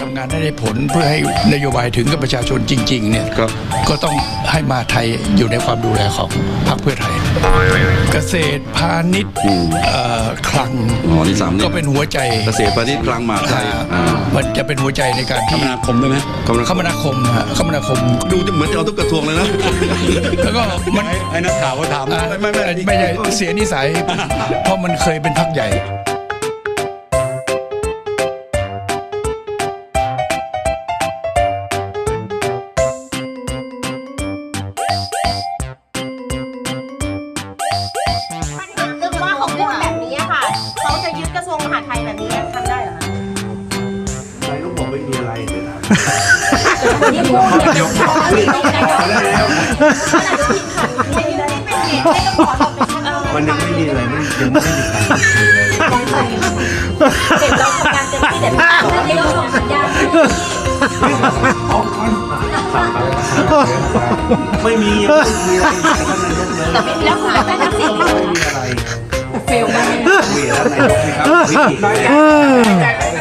ำงานได้ผลเพื่อให้นโยบายถึงกับประชาชนจริงๆเนี่ยก็ต้องให้มหาไทยอยู่ในความดูแลของพรรคเพื่อไทยเกษตรพาณิชย์คลังที่3 ก็เป็นหัวใจเกษตรพาณิชย์คลังมหาไทยมันจะเป็นหัวใจในการคมนาคมได้ไหมคมนาคมดูจะเหมือนจะเอาทุกกระทรวงเลยนะแล้วก็มันไอ้นักข่าวก็ถามไม่ใช่เสียนิสัยเพราะมันเคยเป็นพรรคใหญ่นี่พูดยกขามันยังไม่มีอะไรยังไม่มีการเห็นเราทำงานเต็มที่แต่ไม่ได้ส่งสัญญาณไม่มีแล้วคุณแม่ทักษิณไม่มีอะไรเฟลมากมีแล้วนายกนะครับวิกฤต